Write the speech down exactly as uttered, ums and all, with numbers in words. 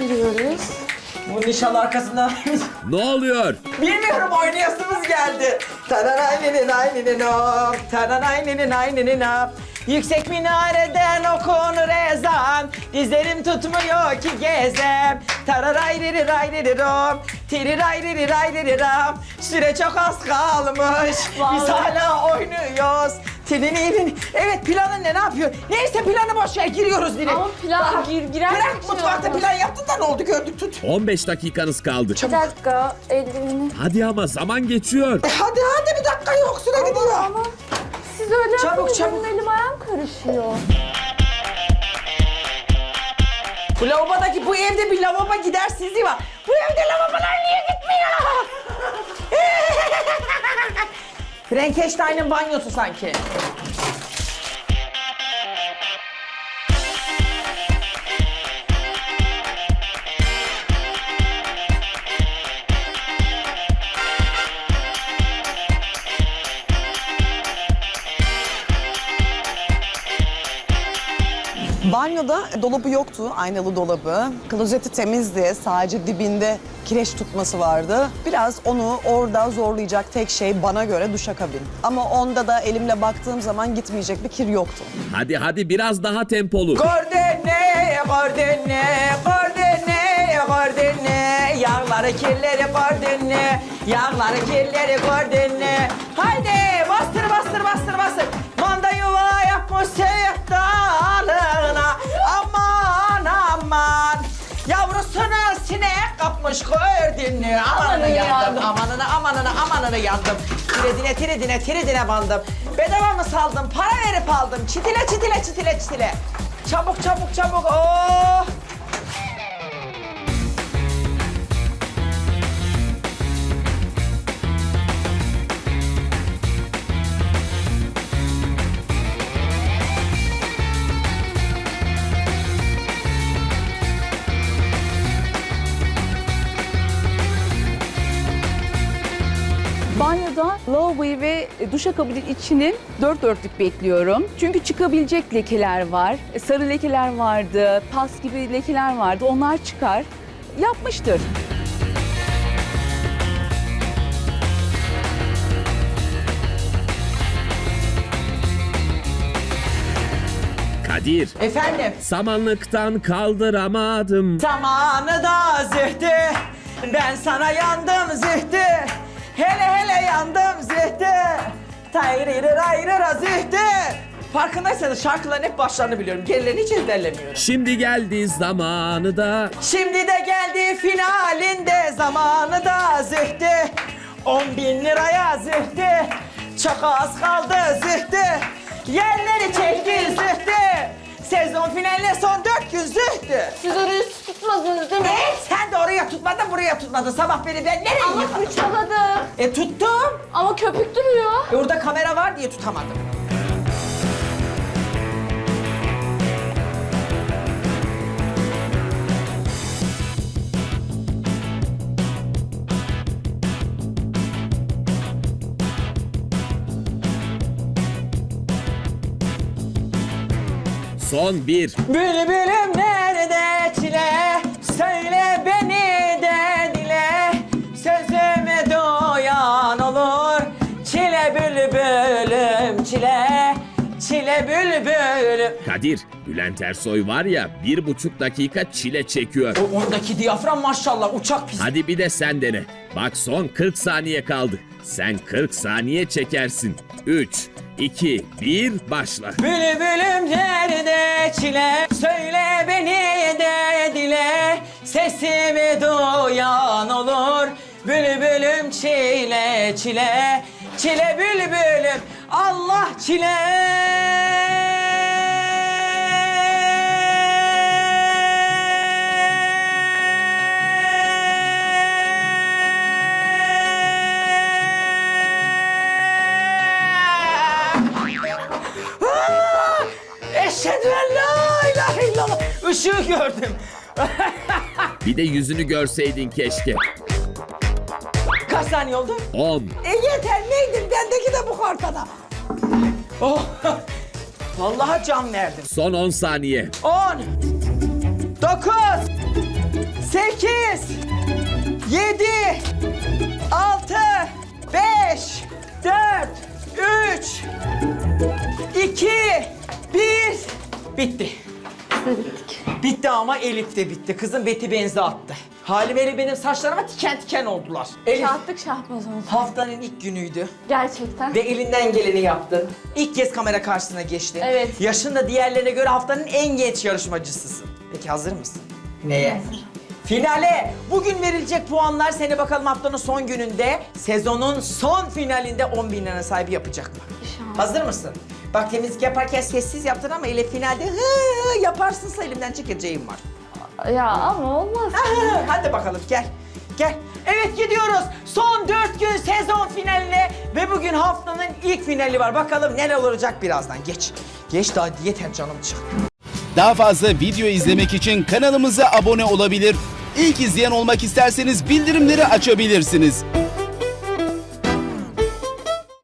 Giriyoruz. Bu nişan arkasından... Ne oluyor? Bilmiyorum, oynayasımız geldi. Taranaynininaynininop, taranaynininaynininop. Yüksek minareden okunur ezan, dizlerim tutmuyor ki gezem. Tararayririrayririrom, tirirayririrayririram. Süre çok az kalmış, biz Vallahi. hala oynuyoruz. Tininin. Evet, planın ne, ne yapıyor? Neyse, planı boş ver, giriyoruz direkt. Ama plan gir, girer Bırak, mi mutfakta şimdi? plan yaptın da ne oldu, gördük, tut. on beş dakikanız kaldı. Bir dakika, eldiveni. Hadi ama zaman geçiyor. E hadi hadi, bir dakika yok, süre gidiyor. Ama siz öyle Çabuk, yapınca çabuk. benim elim ayağım karışıyor. Bu lavabodaki, bu evde bir lavabo gidersizliği var. Bu evde lavabolar niye gitmiyor? Frankenstein'ın banyosu sanki. Banyoda dolabı yoktu, aynalı dolabı. Klozeti temizdi, sadece dibinde kireç tutması vardı. Biraz onu orada zorlayacak tek şey bana göre duşakabin. Ama onda da elimle baktığım zaman gitmeyecek bir kir yoktu. Hadi hadi biraz daha tempolu. Gordene, gordene, gordene, gordene. Yağları kirleri gordene, yağları kirleri gordene. Haydi bastır bastır bastır bastır. Manda yuva yapmış sevdalına. Aman aman. Yavrusunu sinek kapmış gördün mü? Amanını yandım, amanını amanını amanını yandım. Tiredine tiredine tiredine bandım. Bedava mı saldım? Para verip aldım. Çitile çitile çitile çitile. Çabuk çabuk çabuk. Oh! Banyoda lavaboyu ve duşakabinin içinin dört dörtlük bekliyorum. Çünkü çıkabilecek lekeler var. Sarı lekeler vardı, pas gibi lekeler vardı. Onlar çıkar. Yapmıştır. Kadir, Efendim? samanlıktan kaldıramadım. Zamanı da zühtü. Ben sana yandım zühtü. Hele hele yandım zühtü. Tayrırırayırıra zühtü. Farkındaysanız şarkıların hep başlarını biliyorum. Gerilerini hiç ezberlemiyorum. Şimdi geldi zamanı da. Şimdi de geldi finalinde zamanı da zühtü. On bin liraya zühtü. Çok az kaldı zühtü. Yerleri çekti zühtü. Sezon finaline son dört gün zühtü. Siz orayı tutmadınız değil mi? Evet, sen de oraya tutmadın, buraya tutmadın. Sabah beni ben nereye Ama yıkadım? fırçaladım. E tuttum. Ama köpük duruyor. E orada kamera var diye tutamadım. Son bir. Bülbülüm nerede çile, söyle beni de dile. Sözüme doyan olur, çile bülbülüm çile. Çile bülbülüm. Kadir, Bülent Ersoy var ya bir buçuk dakika çile çekiyor. O ondaki diyafram maşallah uçak pis. Hadi bir de sen dene. Bak son kırk saniye kaldı. Sen kırk saniye çekersin. üç, iki, bir, başla. Bülbülüm nerede çile, söyle beni de dile. Sesimi duyan olur, bülbülüm çile çile. Çile bülbülüm, Allah çile. Eşhedü en la ilahe illallah. Işığı gördüm. Bir de yüzünü görseydin keşke. Kaç saniye oldu? on. E yeter, neydim? Bendeki de bu ortada. Oh. Vallahi can verdim. Son on saniye. On. Dokuz. sekiz, yedi, altı, beş, dört, üç, iki, bir. Bitti. Bitti ama Elif de bitti. Kızım beti benzi attı. Halim Elif benim saçlarıma tiken tiken oldular. Elif Şahtık şahbaz oldu. haftanın ilk günüydü Gerçekten. ve elinden geleni yaptın. İlk kez kamera karşısına geçtin. Evet. Yaşın da diğerlerine göre haftanın en genç yarışmacısısın. Peki hazır mısın? Neye? Finale! Bugün verilecek puanlar seni bakalım haftanın son gününde, sezonun son finalinde on bin lira sahibi yapacak mı? İnşallah. Hazır mısın? Bak temizlik yaparken sessiz yaptın ama ile finalde hı hı yaparsınsa elimden çekeceğim var. Ya ama olmaz. Aha, hadi bakalım gel. Gel. Evet gidiyoruz. Son dört gün sezon finaline ve bugün haftanın ilk finali var. Bakalım neler olacak birazdan. Geç. Geç daha yeter canım çık. Daha fazla video izlemek için kanalımıza abone olabilir. İlk izleyen olmak isterseniz bildirimleri açabilirsiniz.